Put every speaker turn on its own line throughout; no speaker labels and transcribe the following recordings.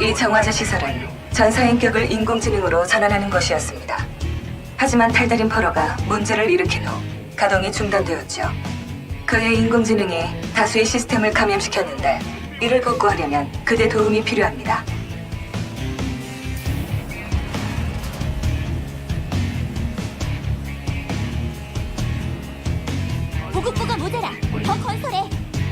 이 정화자 시설은 전사인격을 인공지능으로 전환하는 것이었습니다. 하지만 탈다림 포로가 문제를 일으킨 후 가동이 중단되었죠. 그의 인공지능이 다수의 시스템을 감염시켰는데 이를 복구하려면 그대 도움이 필요합니다.
보급고가 모자라. 더 건설해.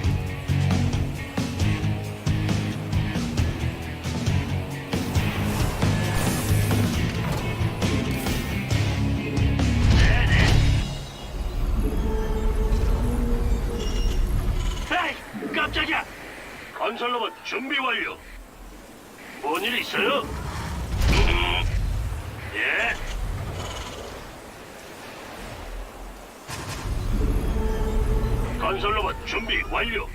에이, 깜짝이야! 건설로봇 준비 완료. 뭔 일 있어요? 예? 건설로봇 준비 완료.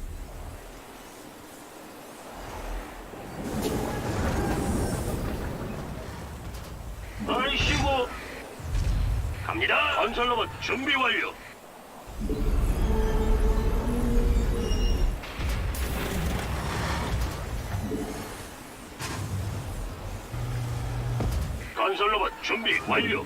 아이씨고. 갑니다. 건설로봇 준비 완료. 건설로봇 준비 완료.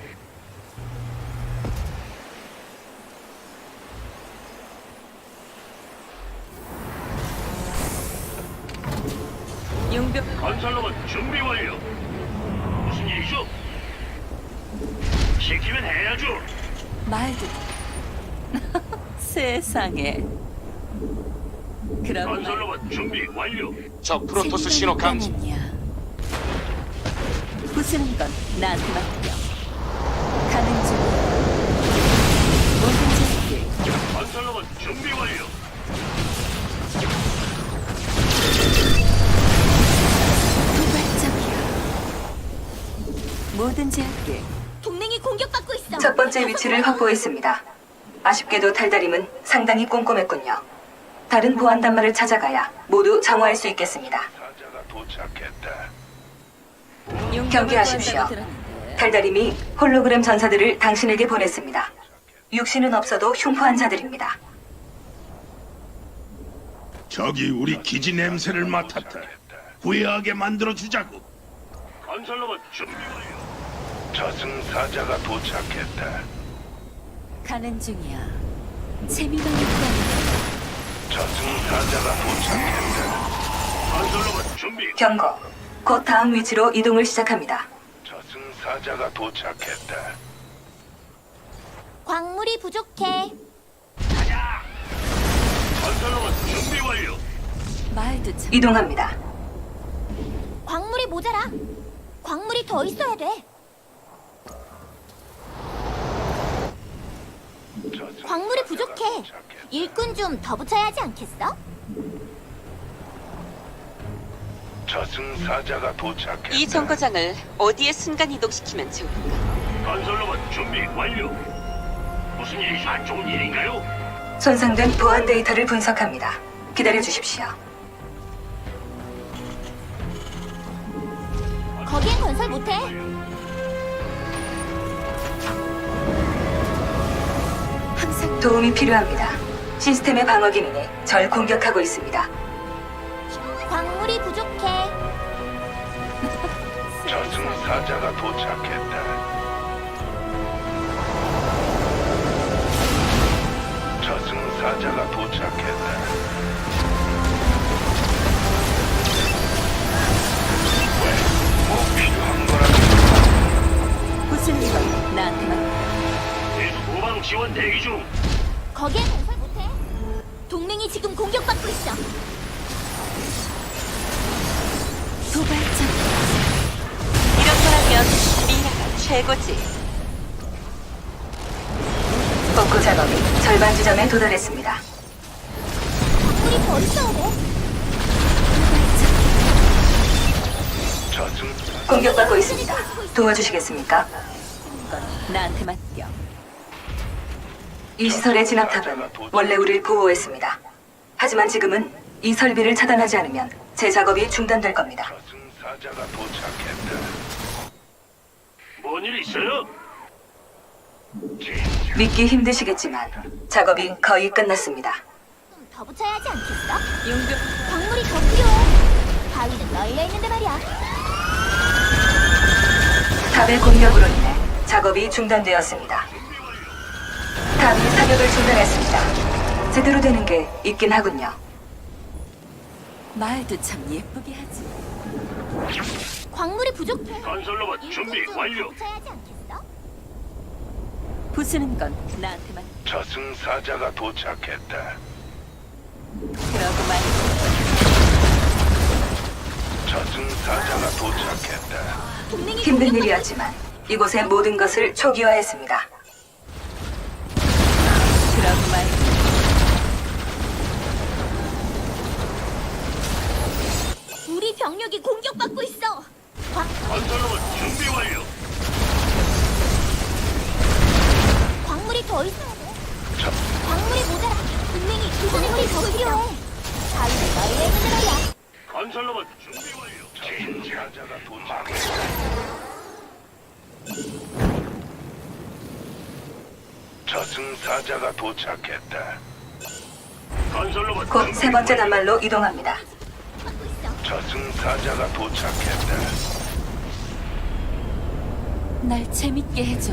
용병
건설로봇 준비 완료. 무슨 일이죠? 시키면 해야죠.
말도 세상에. 그럼
건설로봇 준비 완료.
적 프로토스 신호 감지.
부수는 건 나한테 맡겨. 가는 중. 모든 짓을
건설로봇 준비 완료.
도발적이야. 뭐든지 할게.
동맹이 공격받고 있어.
첫 번째 위치를 확보했습니다. 아쉽게도 탈다림은 상당히 꼼꼼했군요. 다른 보안 단말을 찾아가야 모두 정화할 수 있겠습니다.
사자가 도착했다.
경계하십시오. 탈다림이 홀로그램 전사들을 당신에게 보냈습니다. 육신은 없어도 흉포한 자들입니다.
적이 우리 기지 냄새를 맡았다. 후회하게 만들어주자고.
건설로봇 준비 완료. 저승사자가 도착했다.
가는 중이야. 재미만 있다니.
저승사자가 도착했다. 건설로봇 준비.
경고. 곧 다음 위치로 이동을 시작합니다.
저승사자가 도착했다.
광물이 부족해.
가자. 건설로봇 준비 완료.
말도 참.
이동합니다.
광물이 모자라. 광물이 더 있어야 돼. 광물이 부족해. 일꾼 좀 더 붙여야 하지 않겠어?
저승사자가 도착했다.
이 정거장을 어디에 순간 이동시키면 좋을까?
건설로봇 준비 완료. 무슨 일이죠? 안 좋은 일인가요?
손상된 보안 데이터를 분석합니다. 기다려 주십시오.
거기엔 건설 못해.
항상
도움이 필요합니다. 시스템의 방어 기능이 절 공격하고 있습니다.
광물이 부족해.
저승사자가 도착했다. 저승사자가 도착했다. 뭐 필요한 거라도
부수는 건 나한테 맡겨.
계속 후방 지원 대기 중.
거기엔 건설 못해. 동맹이 지금 공격받고 있어.
도발적이야.
이런 거라면 미라가 최고지.
복구 작업이 절반 지점에 도달했습니다.
광물이 더 있어야 돼.
저승
공격받고 있습니다. 도와주시겠습니까?
건 나한테 맡겨.
이 시설의 진압탑은 원래 우리를 보호했습니다. 하지만 지금은 이 설비를 차단하지 않으면 제 작업이 중단될 겁니다.
저승사자가 도착했다. 뭔 일 있어요?
믿기 힘드시겠지만 작업이 거의 끝났습니다.
좀 더 붙여야 하지 않겠어?
용병
광물이 더 필요해. 바위는 널려 있는데 말이야.
탑의 공격으로 인해 작업이 중단되었습니다. 탑이 사격을 중단했습니다. 제대로 되는 게 있긴 하군요.
말도 참 예쁘게 하지.
광물이 부족해.
건설로봇 준비
일꾼 좀
완료.
더 붙여야 하지 않겠어?
부수는 건 나한테만.
저승사자가 도착했다.
그러고 말고
저승사자가 도착했다.
동맹이
힘든
공격받고
일이었지만 이곳의 모든 것을 초기화했습니다.
그러고 말고
우리 병력이 공격받고 있어.
건설로봇 준비 완료.
광물이 더 있어야 돼. 광물이 모자라. 동맹이 구조물이 더 필요해. 바위는 널려 있는데 말이야.
건설로봇 준비 완료.
저승사자가 도착했다. 저승사자가 도착했다.
건설로봇
곧
준비
세 번째
완료.
단말로 이동합니다.
받고 있어.
저승사자가 도착했다.
날 재밌게 해줘.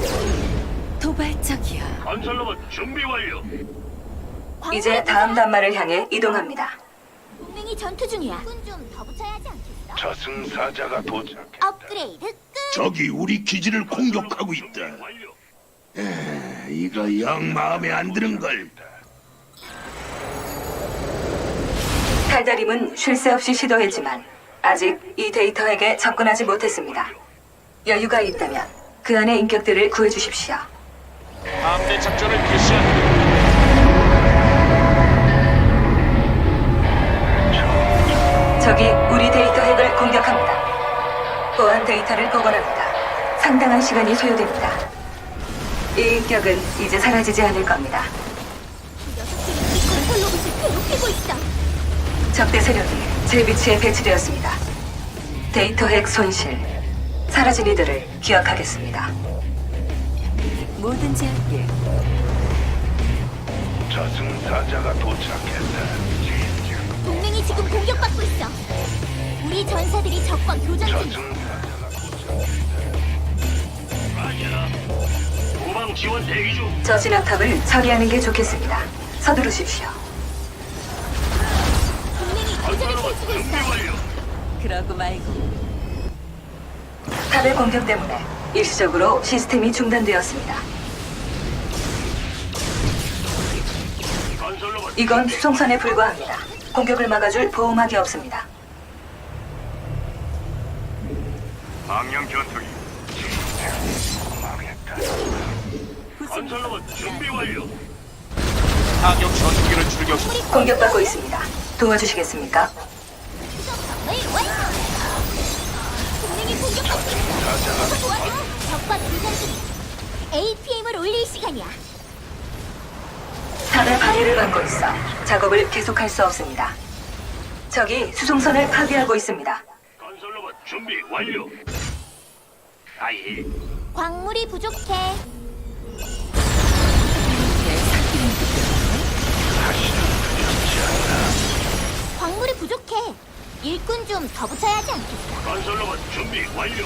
도발적이야.
건설로봇 준비 완료.
이제 다음 단말을 향해 이동합니다.
동맹이 전투 중이야. 일꾼 좀 더 붙여야 하지 않겠어?
저승사자가 도착했다.
업그레이드 끝.
적이 우리 기지를 공격하고 있다.
완료.
이거 영 마음에 안 드는 걸.
달달임은 쉴 새 없이 시도했지만 아직 이 데이터에게 접근하지 못했습니다. 여유가 있다면 그 안의 인격들을 구해주십시오.
함대 작전을 개시한다.
적이 우리 데이터 핵을 공격합니다. 보안 데이터를 복원합니다. 상당한 시간이 소요됩니다. 이 인격은 이제 사라지지 않을 겁니다.
녀석들이 우리 건설 로봇을 괴롭히고 있어.
적대 세력이 제 위치에 배치되었습니다. 데이터 핵 손실. 사라진 이들을 기억하겠습니다.
뭐든지 할게.
저승사자가 도착했다.
동맹이 지금 공격받고 있어. 우리 전사들이 적과 교전 중이야.
저승사자가 도착했다.
후방 지원 대기 중.
저 진압탑을 처리하는 게 좋겠습니다. 서두르십시오.
동맹이 교전을
건설로봇
펼치고
준비
있어.
완료.
그러고 말고
탑의 공격 때문에 일시적으로 시스템이 중단되었습니다.
건설로봇
이건 수송선에 불과합니다. 공격을 막아줄 보호막이 없습니다.
방영 전투기.
망했다.
건설로봇 준비 완료.
타격 전투기를 출격.
공격받고 있습니다. 도와주시겠습니까?
네, 완료. 동맹이 공격받고 있어. 어서 도와줘. 적과 교전 중이야. APM을 올릴 시간이야.
탑의 방해를 받고 있어 작업을 계속할 수 없습니다. 적이 수송선을 파괴하고 있습니다.
건설로봇 준비 완료. 아예.
광물이 부족해. 광물이 부족해. 일꾼 좀 더 붙여야 하지 않겠어?
건설로봇 준비 완료.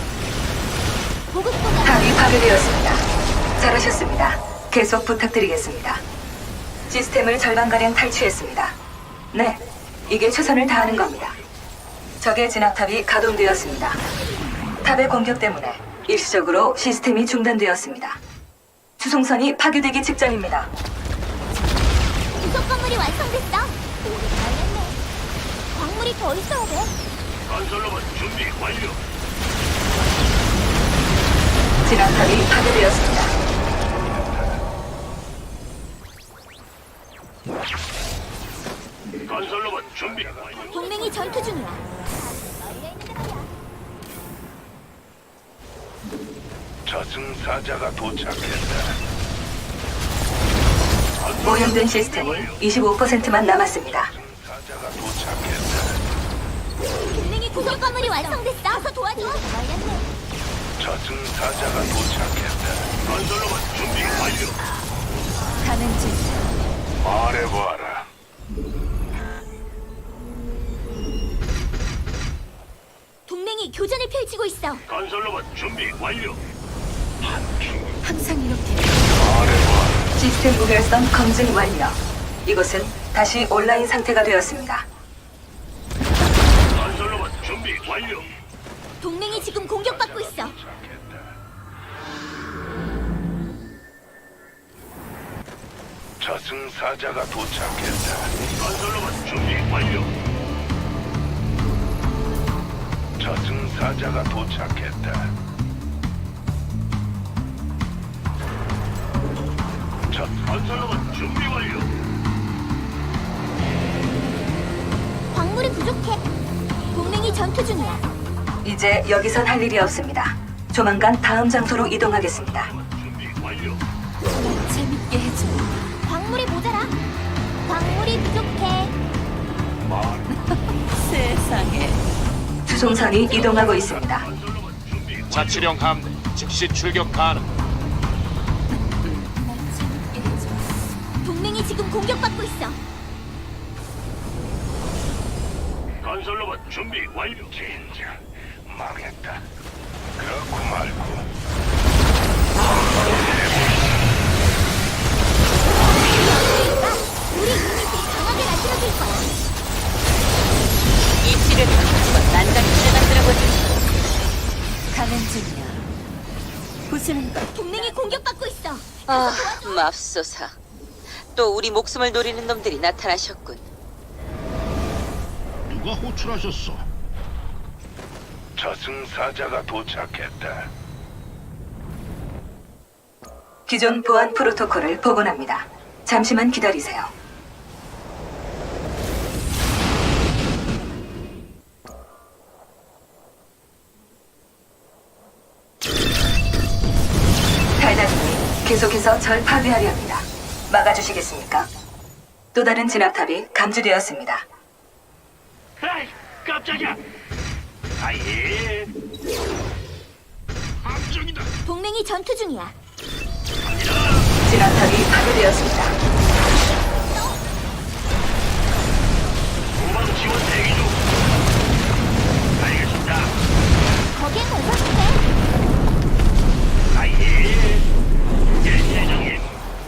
보급고가
탑이 파괴되었습니다. 잘하셨습니다. 계속 부탁드리겠습니다. 시스템을 절반가량 탈취했습니다. 네, 이게 최선을 다하는 겁니다. 적의 진압탑이 가동되었습니다. 탑의 공격 때문에 일시적으로 시스템이 중단되었습니다. 수송선이 파괴되기 직전입니다.
구석 건물이 완성됐어. 오래 걸렸네. 광물이 더 있어야 돼.
건설로봇 준비 완료.
진압탑이 파괴되었습니다.
건설로봇 준비 완료.
동맹이 전투 중이야. 널려 있는데 말이야.
저승사자가 도착했다.
오염된 시스템이 25%만 남았습니다.
저승사자가 도착했다.
동맹이 구석 건물이 완성됐어. 어서 도와줘. 널렸네.
저승사자가 도착했다.
건설로봇 준비 완료.
가는 중.
말해봐라.
펼치고 있어.
건설로봇 준비 완료.
항상 이렇게
시스템 무결성 검증 완료. 이곳은 다시 온라인 상태가 되었습니다.
건설로봇 준비 완료.
동맹이 지금 공격받고 있어.
저승사자가 도착했다.
건설로봇 준비 완료.
저승사자가 도착했다.
건설로봇 준비 완료.
광물이 부족해. 동맹이 전투 중이야.
이제 여기선 할 일이 없습니다. 조만간 다음 장소로 이동하겠습니다.
준비 완료.
재밌게 해줘.
광물이 모자라. 광물이 부족해.
세상에.
수송선이 이동하고 있습니다.
건설로봇 준비
자치령 함대 즉시 출격 가능.
재밌게 해줘.
동맹이 지금 공격받고 있어.
건설로봇 준비 완료.
진짜 망했다. 그렇고 말고.
우리 유닛들이 강하게 만들어줄 거야.
이 시련을 한번 난장판에 만들어보자.
가는 중이야. 부수는 것.
동맹이 공격받고 있어.
아, 맙소사. 또 우리 목숨을 노리는 놈들이 나타나셨군.
누가 호출하셨어? 저승사자가 도착했다.
기존 보안 프로토콜을 복원합니다. 잠시만 기다리세요. 달달님이 계속해서 절 파괴하려 합니다. 막아주시겠습니까? 또 다른 진압탑이 감지되었습니다.
에이, 깜짝이야. 아예. 함정이다.
동맹이 전투 중이야.
진압탑이 파괴되었습니다.
도망 지원 대기 중. 알겠습니다.
거기에 건설인데
아예. 예, 대장님.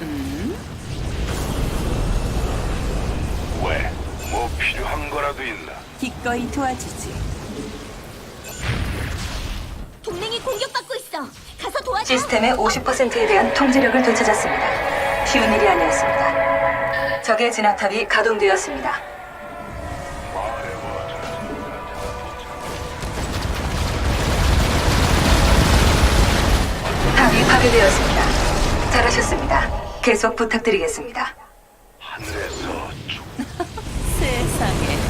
왜? 뭐 필요한 거라도 있나?
기꺼이 도와주지.
동맹이 공격받고 있어. 가서 도와줘.
시스템의 50%에 대한 통제력을 되찾았습니다. 쉬운 일이 아니었습니다. 적의 진압탑이 가동되었습니다. 탑이 파괴되었습니다. 잘하셨습니다. 계속 부탁드리겠습니다.
하늘에서
세상에.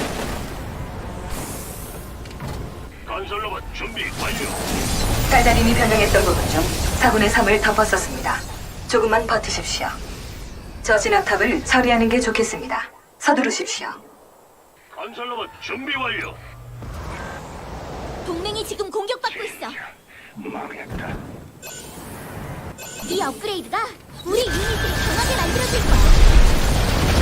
건설로봇 준비 완료.
달달님이 변형했던 부분 중 4분의 3을 덮었었습니다. 조금만 버티십시오. 저 진압탑을 처리하는 게 좋겠습니다. 서두르십시오.
건설로봇 준비 완료.
동맹이 지금 공격받고 있어.
망했다.
이 업그레이드가 우리 유닛들이 강하게 만들어줄 거야.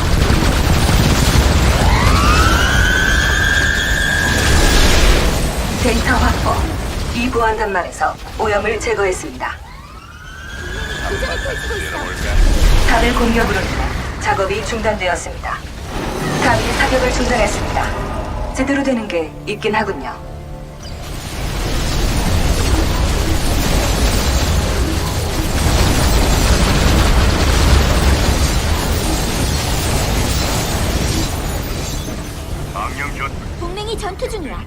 데이터 확보. 이 보안 단말에서 오염을 제거했습니다.
도전을 펼치고 있어.
탑의 공격으로 인해 작업이 중단되었습니다. 탑이 사격을 중단했습니다. 제대로 되는 게 있긴 하군요.
방영 전
동맹이 전투 중이야.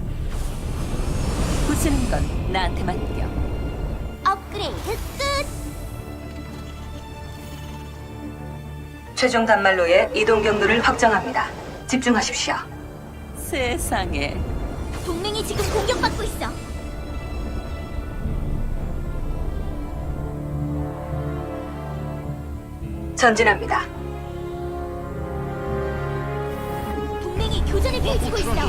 부수는 건 나한테 맡겨.
업그레이드 끝.
최종 단말로의 이동 경로를 확정합니다. 집중하십시오.
세상에.
동맹이 지금 공격받고 있어.
전진합니다.
동맹이 교전을 펼치고 있어.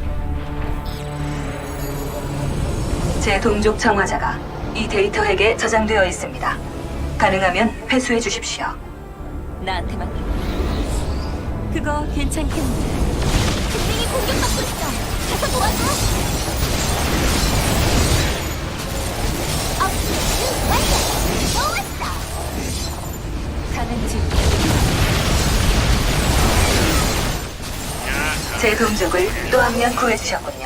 제 동족 청화자가 이 데이터 핵에 저장되어 있습니다. 가능하면 회수해 주십시오.
나한테 맡겨. 그거 괜찮겠네.
동맹이 공격받고 있어. 가서 도와줘.
동족을 또 한 명 구해주셨군요.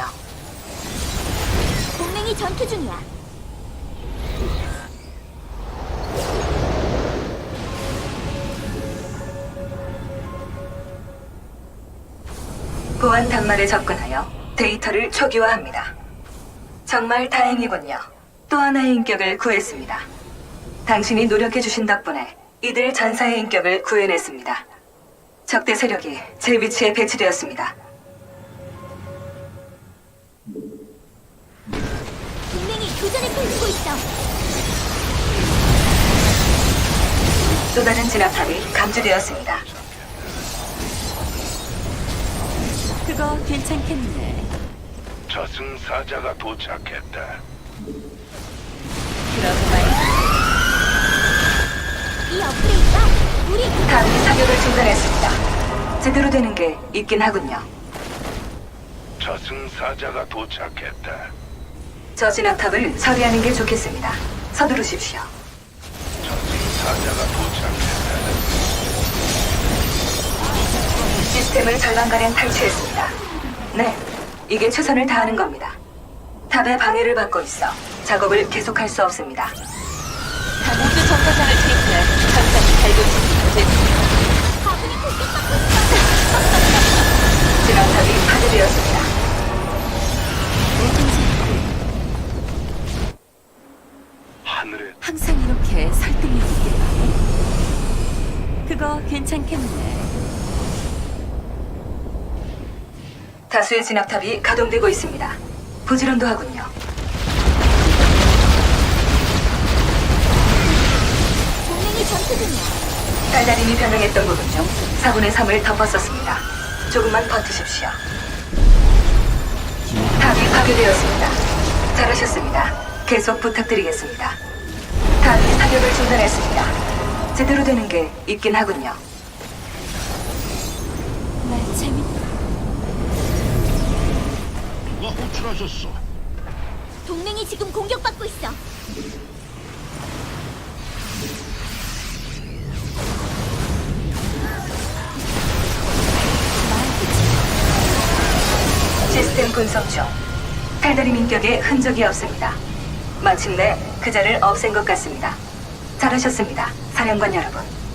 동맹이 전투 중이야.
보안 단말에 접근하여 데이터를 초기화합니다. 정말 다행이군요. 또 하나의 인격을 구했습니다. 당신이 노력해주신 덕분에 이들 전사의 인격을 구해냈습니다. 적대 세력이 제 위치에 배치되었습니다.
동맹이 교전을 펼치고 있어.
또 다른 진압탑이 감지되었습니다.
그거 괜찮겠네.
저승사자가 도착했다.
그럼 말이야.
이 업그레이드가 우리
탑이 사격을 중단했습니다. 제대로 되는 게 있긴 하군요.
저승사자가 도착했다.
저 진압탑을 처리하는 게 좋겠습니다. 서두르십시오.
저승사자가 도착했다.
시스템을 절반가량 탈취했습니다. 네, 이게 최선을 다하는 겁니다. 탑의 방해를 받고 있어 작업을 계속할 수 없습니다.
우주 정거장을 투입해 전장이 달궈지기
아군이 공격받고 있어.
진압탑이 파괴되었습니다.
하늘에
항상 이렇게 설득력있게. 그거 괜찮겠네.
다수의 진압탑이 가동되고 있습니다. 부지런도 하군요.
동맹이 전투 중이야.
달달임이 변형했던 부분 중 4분의 3을 덮었었습니다. 조금만 버티십시오. 탑이 파괴되었습니다. 잘하셨습니다. 계속 부탁드리겠습니다. 탑이 사격을 중단했습니다. 제대로 되는 게 있긴 하군요.
날 재밌다.
누가 호출하셨어?
동맹이 지금 공격받고 있어.
시스템 분석 중 달달임 인격에 흔적이 없습니다. 마침내 그자를 없앤 것 같습니다. 잘하셨습니다, 사령관 여러분.